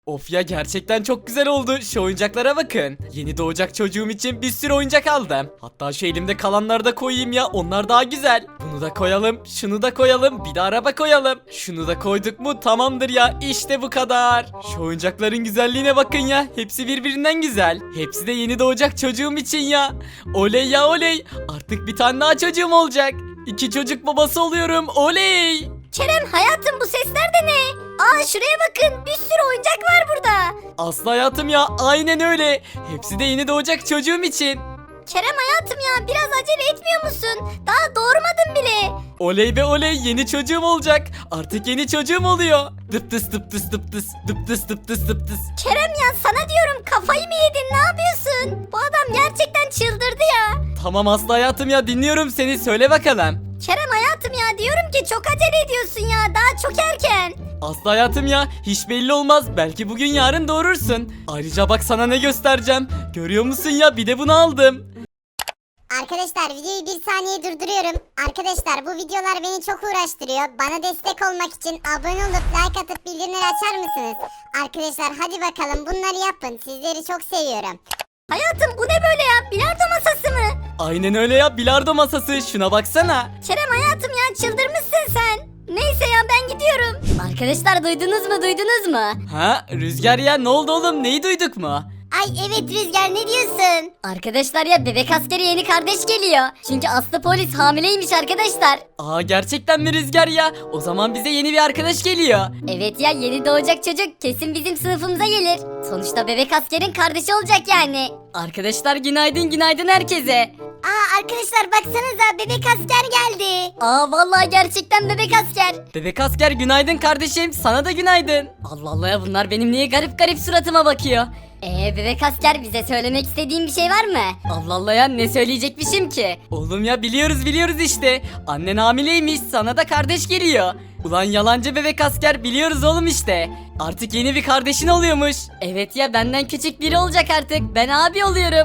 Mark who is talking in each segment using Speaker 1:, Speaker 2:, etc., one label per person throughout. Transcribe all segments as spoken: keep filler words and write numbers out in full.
Speaker 1: Of ya, gerçekten çok güzel oldu. Şu oyuncaklara bakın. Yeni doğacak çocuğum için bir sürü oyuncak aldım. Hatta şu elimde kalanları da koyayım ya, onlar daha güzel. Bunu da koyalım, şunu da koyalım, bir de araba koyalım. Şunu da koyduk mu tamamdır ya, işte bu kadar. Şu oyuncakların güzelliğine bakın ya, hepsi birbirinden güzel. Hepsi de yeni doğacak çocuğum için ya. Oley ya oley, artık bir tane daha çocuğum olacak. İki çocuk babası oluyorum, oley.
Speaker 2: Kerem hayatım, bu sesler de ne? Aa şuraya bakın, bir sürü oyuncak var burada.
Speaker 1: Aslı hayatım ya, aynen öyle. Hepsi de yeni doğacak çocuğum için.
Speaker 2: Kerem hayatım ya, biraz acele etmiyor musun? Daha doğurmadın bile.
Speaker 1: Oley be oley, yeni çocuğum olacak. Artık yeni çocuğum oluyor. Dıp tıs dıp tıs dıp tıs dıp tıs dıp tıs dıp tıs.
Speaker 2: Kerem ya, sana diyorum, kafayı mı yedin, ne yapıyorsun? Bu adam gerçekten çıldırdı ya.
Speaker 1: Tamam Aslı hayatım ya, dinliyorum seni, söyle bakalım.
Speaker 2: Kerem hayatım ya, diyorum ki çok acele ediyorsun ya, daha çok erken.
Speaker 1: Aslı hayatım ya, hiç belli olmaz, belki bugün yarın doğurursun. Ayrıca bak sana ne göstereceğim. Görüyor musun ya, bir de bunu aldım.
Speaker 3: Arkadaşlar videoyu bir saniye durduruyorum. Arkadaşlar bu videolar beni çok uğraştırıyor. Bana destek olmak için abone olup like atıp bildirimleri açar mısınız? Arkadaşlar hadi bakalım bunları yapın. Sizleri çok seviyorum.
Speaker 2: Hayatım bu ne böyle ya, bilardo masası mı?
Speaker 1: Aynen öyle ya, bilardo masası, şuna baksana.
Speaker 2: Kerem hayatım ya, çıldırmışsın sen. Neyse ya, ben gidiyorum. Arkadaşlar duydunuz mu duydunuz mu?
Speaker 1: Ha Rüzgar ya, ne oldu oğlum, neyi duyduk mu?
Speaker 2: Ay evet Rüzgar, ne diyorsun? Arkadaşlar ya, bebek askeri yeni kardeş geliyor. Çünkü Aslı polis hamileymiş arkadaşlar.
Speaker 1: Aa gerçekten mi Rüzgar ya? O zaman bize yeni bir arkadaş geliyor.
Speaker 2: Evet ya, yeni doğacak çocuk kesin bizim sınıfımıza gelir. Sonuçta bebek askerin kardeşi olacak yani.
Speaker 1: Arkadaşlar günaydın günaydın herkese.
Speaker 2: Aa arkadaşlar baksanıza, bebek asker geldi. Aa vallahi gerçekten bebek asker.
Speaker 1: Bebek asker günaydın kardeşim, sana da günaydın. Allah Allah ya, bunlar benim niye garip garip suratıma bakıyor.
Speaker 2: Ee bebek asker, bize söylemek istediğin bir şey var mı?
Speaker 1: Allah Allah ya, ne söyleyecekmişim ki? Oğlum ya, biliyoruz biliyoruz işte. Annen hamileymiş, sana da kardeş geliyor. Ulan yalancı bebek asker, biliyoruz oğlum işte. Artık yeni bir kardeşin oluyormuş. Evet ya, benden küçük biri olacak artık. Ben abi oluyorum.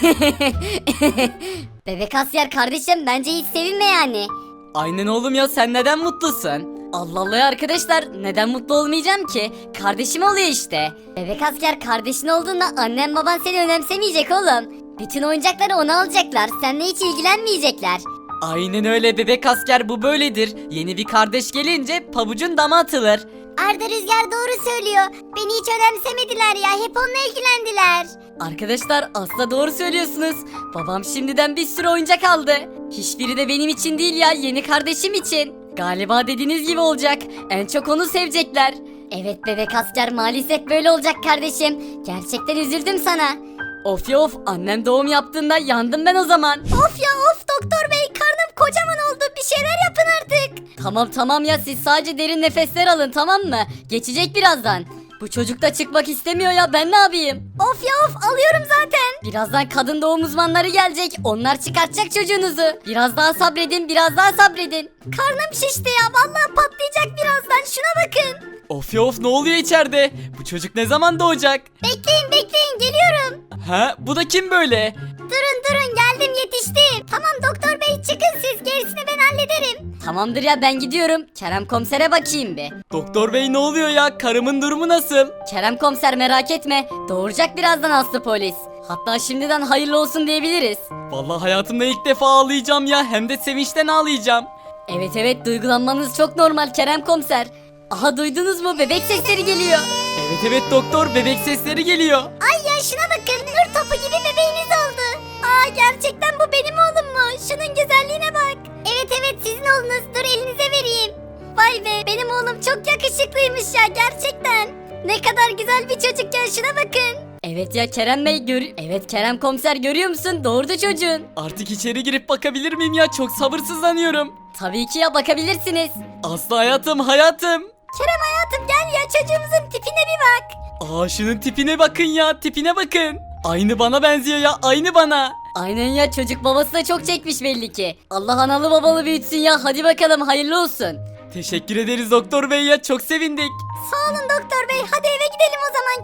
Speaker 2: Bebek asker kardeşim, bence hiç sevinme yani.
Speaker 1: Aynen oğlum ya, sen neden mutlusun? Allah Allah ya arkadaşlar, neden mutlu olmayacağım ki? Kardeşim oluyor işte.
Speaker 2: Bebek asker kardeşin olduğunda annen baban seni önemsemeyecek oğlum. Bütün oyuncakları ona alacaklar, seninle hiç ilgilenmeyecekler.
Speaker 1: Aynen öyle bebek asker, bu böyledir. Yeni bir kardeş gelince pabucun dama atılır.
Speaker 2: Arda Rüzgar doğru söylüyor. Beni hiç önemsemediler ya, hep onunla ilgilendiler.
Speaker 1: Arkadaşlar asla doğru söylüyorsunuz. Babam şimdiden bir sürü oyuncak aldı. Hiçbiri de benim için değil ya, yeni kardeşim için. Galiba dediğiniz gibi olacak. En çok onu sevecekler.
Speaker 2: Evet bebek asker, maalesef böyle olacak kardeşim. Gerçekten üzüldüm sana.
Speaker 1: Of ya of, annem doğum yaptığında yandım ben o zaman.
Speaker 2: Of ya of, doktor bey, karnım kocaman oldu, bir şeyler yapın artık.
Speaker 1: Tamam tamam ya, siz sadece derin nefesler alın, tamam mı? Geçecek birazdan. Bu çocuk da çıkmak istemiyor ya, ben ne yapayım?
Speaker 2: Of ya of, alıyorum zaten.
Speaker 1: Birazdan kadın doğum uzmanları gelecek. Onlar çıkartacak çocuğunuzu. Biraz daha sabredin, biraz daha sabredin.
Speaker 2: Karnım şişti ya, vallahi patlayacak birazdan, şuna bakın.
Speaker 1: Of ya of, ne oluyor içeride? Bu çocuk ne zaman doğacak?
Speaker 2: Bekleyin bekleyin, geliyorum.
Speaker 1: Ha, bu da kim böyle?
Speaker 2: Durun durun, geldim, yetiştim. Tamam doktor bey, çıkın siz, gerisini ben hallederim.
Speaker 1: Tamamdır ya, ben gidiyorum. Kerem komisere bakayım bir. Doktor bey ne oluyor ya? Karımın durumu nasıl? Kerem komiser merak etme. Doğuracak birazdan Aslı polis. Hatta şimdiden hayırlı olsun diyebiliriz. Vallahi hayatımda ilk defa ağlayacağım ya. Hem de sevinçten ağlayacağım. Evet evet, duygulanmanız çok normal Kerem komiser. Aha, duydunuz mu? Bebek sesleri geliyor. Evet evet doktor, bebek sesleri geliyor.
Speaker 2: Ay ya şuna bakın, nur topu gibi bebeğiniz oldu. Aa gerçekten bu benim oğlum mu? Şunun güzelliğine bak. Evet evet, sizin oğlunuz, dur elinize vereyim. Vay be, benim oğlum çok yakışıklıymış ya, gerçekten. Ne kadar güzel bir çocuk ya, şuna bakın.
Speaker 1: Evet ya Kerem Bey, gör evet Kerem komiser, görüyor musun? Doğurdu çocuğun. Artık içeri girip bakabilir miyim ya? Çok sabırsızlanıyorum. Tabii ki ya, bakabilirsiniz. Aslı hayatım, hayatım.
Speaker 2: Kerem hayatım gel ya, çocuğumuzun tipine bir bak.
Speaker 1: Aa, şunun tipine bakın ya, tipine bakın. Aynı bana benziyor ya, aynı bana. Aynen ya, çocuk babası da çok çekmiş belli ki. Allah analı babalı büyütsün ya, hadi bakalım hayırlı olsun. Teşekkür ederiz doktor bey ya, çok sevindik.
Speaker 2: Sağ olun doktor bey, hadi eve gidelim o zaman Kerem.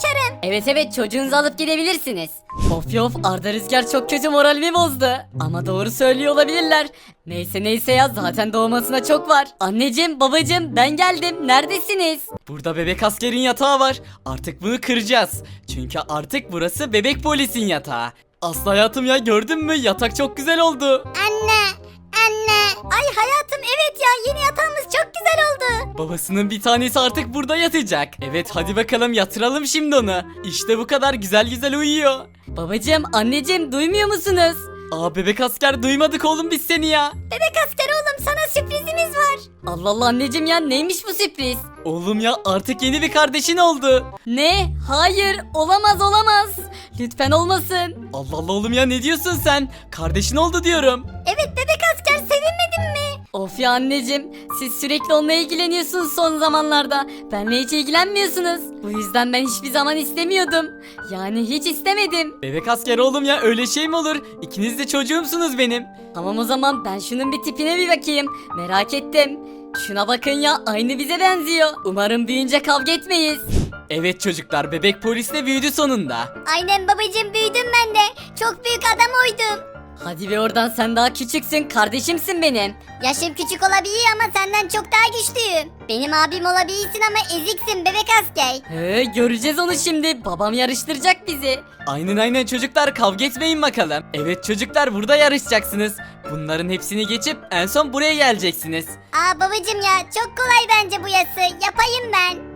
Speaker 2: Evet evet çocuğunuzu alıp gidebilirsiniz. Of ya of Arda Rüzgar çok kötü moralimi bozdu. Ama doğru söylüyor olabilirler. Neyse neyse ya zaten doğmasına çok var. Anneciğim babacığım ben geldim neredesiniz?
Speaker 1: Burada bebek askerin yatağı var. Artık bunu kıracağız. Çünkü artık burası bebek polisin yatağı. Aslı hayatım ya gördün mü? Yatak çok güzel oldu.
Speaker 3: Anne, anne.
Speaker 2: Ay hayatım evet ya yeni yatağımız çok güzel oldu.
Speaker 1: Babasının bir tanesi artık burada yatacak. Evet hadi bakalım yatıralım şimdi onu. İşte bu kadar güzel güzel uyuyor.
Speaker 2: Babacığım anneciğim duymuyor musunuz?
Speaker 1: Aa bebek asker duymadık oğlum biz seni ya.
Speaker 2: Bebek asker oğlum sana sürprizimiz var. Allah Allah anneciğim ya neymiş bu sürpriz?
Speaker 1: Oğlum ya artık yeni bir kardeşin oldu.
Speaker 2: Ne? Hayır olamaz olamaz. Lütfen olmasın.
Speaker 1: Allah Allah oğlum ya ne diyorsun sen? Kardeşin oldu diyorum.
Speaker 2: Evet bebek asker sevinmedin mi? Of ya anneciğim siz sürekli onunla ilgileniyorsunuz son zamanlarda. Benle hiç ilgilenmiyorsunuz. Bu yüzden ben hiçbir zaman istemiyordum. Yani hiç istemedim.
Speaker 1: Bebek asker oğlum ya öyle şey mi olur? İkiniz de çocuğumsunuz benim.
Speaker 2: Tamam o zaman ben şunun bir tipine bir bakayım. Merak ettim. Şuna bakın ya aynı bize benziyor. Umarım büyüyünce kavga etmeyiz.
Speaker 1: Evet çocuklar bebek polis de büyüdü sonunda.
Speaker 3: Aynen babacığım büyüdüm ben de. Çok büyük adam oydum.
Speaker 2: Hadi be oradan sen daha küçüksün kardeşimsin benim.
Speaker 3: Yaşım küçük olabilir ama senden çok daha güçlüyüm. Benim abim olabilirsin ama eziksin bebek asker.
Speaker 2: He, göreceğiz onu şimdi. Babam yarıştıracak bizi.
Speaker 1: Aynen aynen çocuklar kavga etmeyin bakalım. Evet çocuklar burada yarışacaksınız. Bunların hepsini geçip en son buraya geleceksiniz.
Speaker 3: Aa babacığım ya çok kolay bence bu yası. Yapayım ben.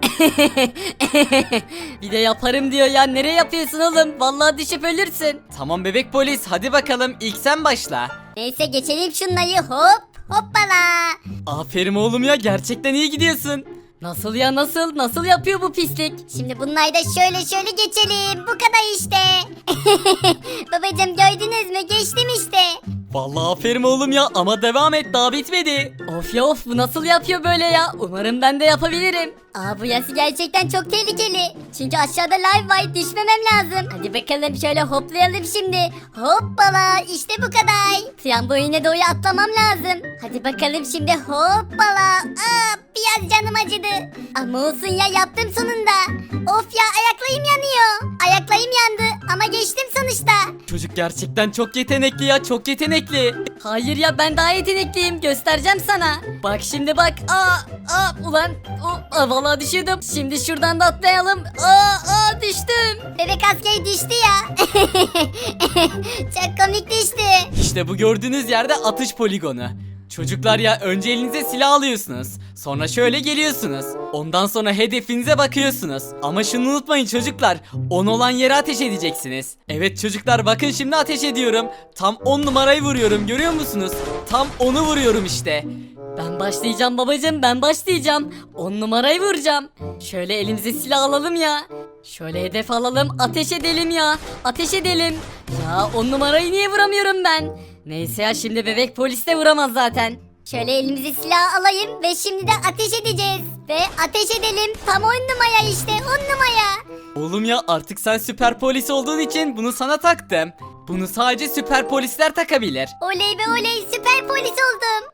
Speaker 2: Bir de yaparım diyor ya. Nereye yapıyorsun oğlum? Vallahi düşüp ölürsün.
Speaker 1: Tamam bebek polis hadi bakalım ilk sen başla.
Speaker 3: Neyse geçelim şunları hop hoppala.
Speaker 1: Aferin oğlum ya gerçekten iyi gidiyorsun.
Speaker 2: Nasıl ya nasıl? Nasıl yapıyor bu pislik?
Speaker 3: Şimdi bunları da şöyle şöyle geçelim. Bu kadar işte. Babacığım gördünüz mü? Geçtim işte.
Speaker 1: Vallahi aferin oğlum ya ama devam et daha bitmedi.
Speaker 2: Of ya of bu nasıl yapıyor böyle ya? Umarım ben de yapabilirim.
Speaker 3: Aa bu yası gerçekten çok tehlikeli. Çünkü aşağıda live var düşmemem lazım. Hadi bakalım şöyle hoplayalım şimdi. Hoppala işte bu kadar. Tramboline doğru atlamam lazım. Hadi bakalım şimdi hoppala. Aa biraz canım acıdı. Ama olsun ya yaptım sonunda. Of ya ayaklarım yanıyor. Ayaklarım yandı ama geçtim sonuçta.
Speaker 1: Çocuk gerçekten çok yetenekli ya çok yetenekli.
Speaker 2: Hayır ya ben daha yetenekliyim göstereceğim sana. Bak şimdi bak. Aa, aa ulan. O, aa, vallahi düşüyordum. Şimdi şuradan da atlayalım. Aa, aa düştüm.
Speaker 3: Bebek askeri düştü ya. Çok komik düştü.
Speaker 1: İşte bu gördüğünüz yerde atış poligonu. Çocuklar ya önce elinize silah alıyorsunuz. Sonra şöyle geliyorsunuz. Ondan sonra hedefinize bakıyorsunuz. Ama şunu unutmayın çocuklar. on olan yere ateş edeceksiniz. Evet çocuklar bakın şimdi ateş ediyorum. Tam on numarayı vuruyorum görüyor musunuz? Tam onu vuruyorum işte.
Speaker 2: Ben başlayacağım babacığım ben başlayacağım. On numarayı vuracağım. Şöyle elimize silah alalım ya. Şöyle hedef alalım ateş edelim ya. Ateş edelim. Ya on numarayı niye vuramıyorum ben? Neyse ya şimdi bebek polis de vuramaz zaten.
Speaker 3: Şöyle elimize silah alayım ve şimdi de ateş edeceğiz. Ve ateş edelim. Tam on numara işte on numara.
Speaker 1: Oğlum ya artık sen süper polis olduğun için bunu sana taktım. Bunu sadece süper polisler takabilir.
Speaker 3: Oley be oley süper polis oldum.